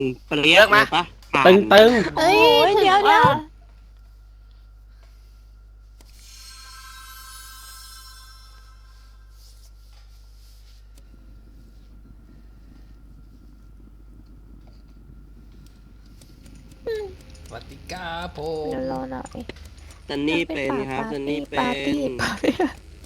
เปรี้ยเลิกเลมายปะผ่าตึนงตึงเอ้ยโอ้ยถึงเดี๋ยวว่าสวัสดีครับผเดี๋ยวมรอหน่อยซันนี่เป็นครับซันนี่เป็ปาร์ตี้นปาร์ตี้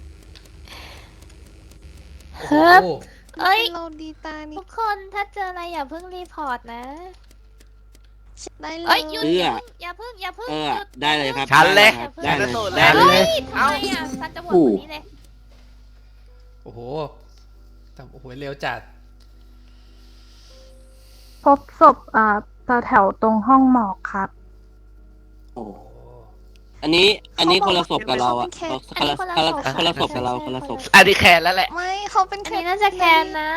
โอ้โหเฮ้ย เอ้ยเราดีตานี่ทุกคนถ้าเจออะไรอย่าเพิ่งรีพอร์ตนะได้เลเอ้ยยหยุดเอื้ออย่าเพิ่งอย่าเพิ่งเออหยุดได้เลยครับชันเลยได้เลยชันได้สูตรเลยเลยเฮ้ยทำไมอ่ะซันจะโหวตคนนี้เลยโอ้โหแต่โอ้โหเร็วจัดพบศพแถวตรงห้องหมอกครับโอ้โอ้โหอันนี้คนละศพกับเราอะคนละศพกับเราคนละศพอันนี้แคนแล้วแหละไม่เขาเป็นอันแค่นี้น่าจะแคนนะ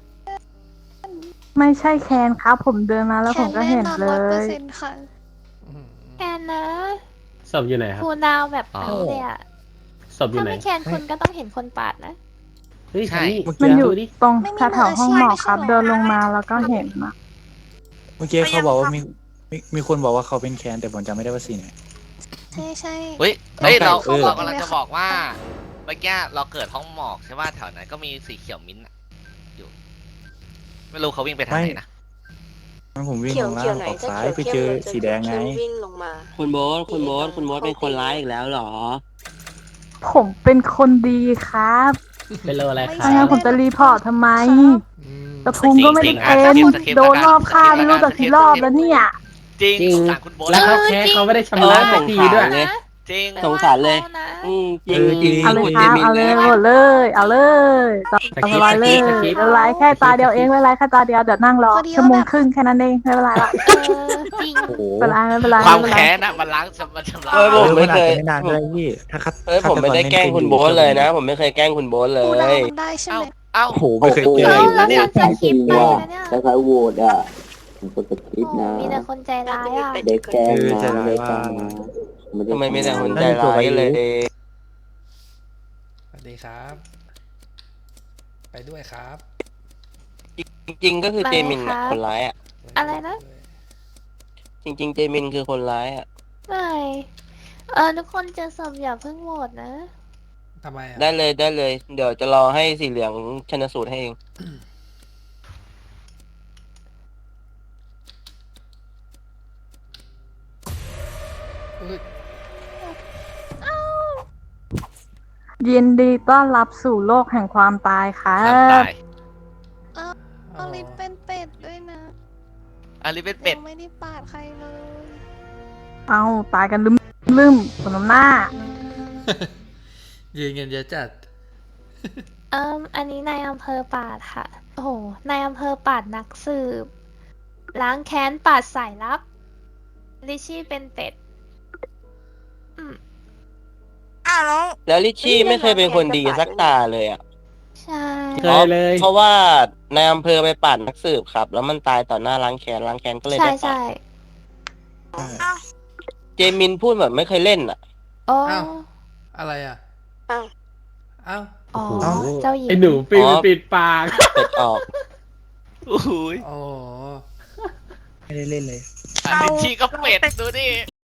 ไม่ใช่แคนครับ ผมเดินมาแล้วผมก็เห็นเล 100% ยค่ะอืมแคนนะศพอยู่ไหนครับคูลดาวน์แบบอ๋อนี้เลยอ่ะศพอยู่ถ้าไหนไม่แคนคุณก็ต้องเห็นคนปาดนะเฮ้ยใช่นี่มันอยู่ดูดิตรงไม่มีแถวๆห้องหมอกครับมืออาชีพเดินลงมาแล้วก็เห็นอะเมื่อกี้เขาบอกว่ามีคนบอกว่าเขาเป็นแคนแต่ผมจำไม่ได้ว่าสีไหนใช่ใช่เฮ้ยเราเออเรากำลังจะบอกว่าเมื่อกี้เราเกิดห้องหมอกใช่ป่ะแถวนั้นก็มีสีเขียวมิ้นท์อะอยู่ ไม่รู้เขาวิ่งไปทางไหนนะงั้นผมวิ่งเขียลวงล่าเขียวงไหนออกจะซ้ายเขียวไปเข้เจมอหรือจะสีแดงไงเข้มวิ่งลงมาคุณโบ๊ทคุณโบ๊ทเป็นคนร้ายอีกแล้วเหรอผมเป็นคนดีครับเป็นโลอะไรคไม่รังั้นบผมจะรีพอร์ตทำไมอืมกระทุงก็ไม่ได้สิเป็นงๆโดนรอบฆ่าไม่รู้จักกี่รอบแล้วเนี่ยจริงจริงสงสารคุณโบ๊ทแล้วเขาแค่เขาไม่ได้ชำระสักทีด้วยเลยจริงสงสารเลยนะจริงจริงเอาเลยคุณครับมินเอาเลยนะหมดเลยเอาเลยต่อไปเลยสคริปต์ไม่เป็นไรแค่ตาเดียวเองไม่เป็นไรแค่ตาเดียวเดี๋ยวนั่งรอชั่วโมงครึ่งแค่นั้นเองไม่เป็นไรละจริงโอ้โหไม่เป็นไรความไม่เป็นไรแค้นอะมันล้างมันชำระเออผมไม่เคยนานเลยพี่ถ้าคัดผมไม่ได้แกล้งคุณโบ๊ทเลยนะ ผมไม่เคยแกล้งคุณโบ๊ทเลคูดาวย มันได้ใช่เอ้าไหมเอ้าโอ้โหไม่เคยเจอเอาเลยแล้วเนี่ยฉันจะคิดไปนะเนี่ยถ้าเขาโหวตอ่ะผมก็จะคิดโอ้นะมีแต่คนใจร้ายอ่ะได้แกล้งเออใจนะร้ายได้ว่าแกล้งนะทำไมไม่แต่คนใจร้ายเลยสวัสดีครับ ไปด้วยครับจริงๆก็คือเจมินอะคนร้ายอะอะไรนะจริงๆเจมินคือคนร้ายอะไม่ทุกคนเจอศพอย่าเพิ่งโหวตนะทำไมอ่ะได้เลย เดี๋ยวจะรอให้สีเหลืองชนสูตรให้เองอุ๊ยยินดีต้อนรับสู่โลกแห่งความตายครัความบตายเอาลิปเป็นเป็ดด้วยนะอันนี้เป็นเป็ดยังไม่ได้ปาดใครเลยเอาตายกันลืมคนน้ำหน้ายืนเงินเยอะจัดอันนี้นายอำเภอปาดค่ะ โอ้โห นายอำเภอปาดนักสืบ ล้างแค้นปาดสายลับ ลิชชี่เป็นเป็ดแล้วลิชชี่ไม่เคยเป็นคนดีสักตาเลยอะใช่เคยเลยเพราะว่านายอำเภอไปปั่นนักสืบครับ แล้วมันตายต่อหน้าล้างแค้นก็เลยใช่ได้ปั่นใช่เจมินพูดแบบไม่เคยเล่นอะโอ้อ้าว อะไรอ่ะอ้าวอ้าวอ๋อเอ้าเจ้าหญิงไอ้หนูปิดปากเป็ดออกโอ้โหโอ้โหไม่ได้เล่นเลยอันนี้ชีก็เป็ดดูดิ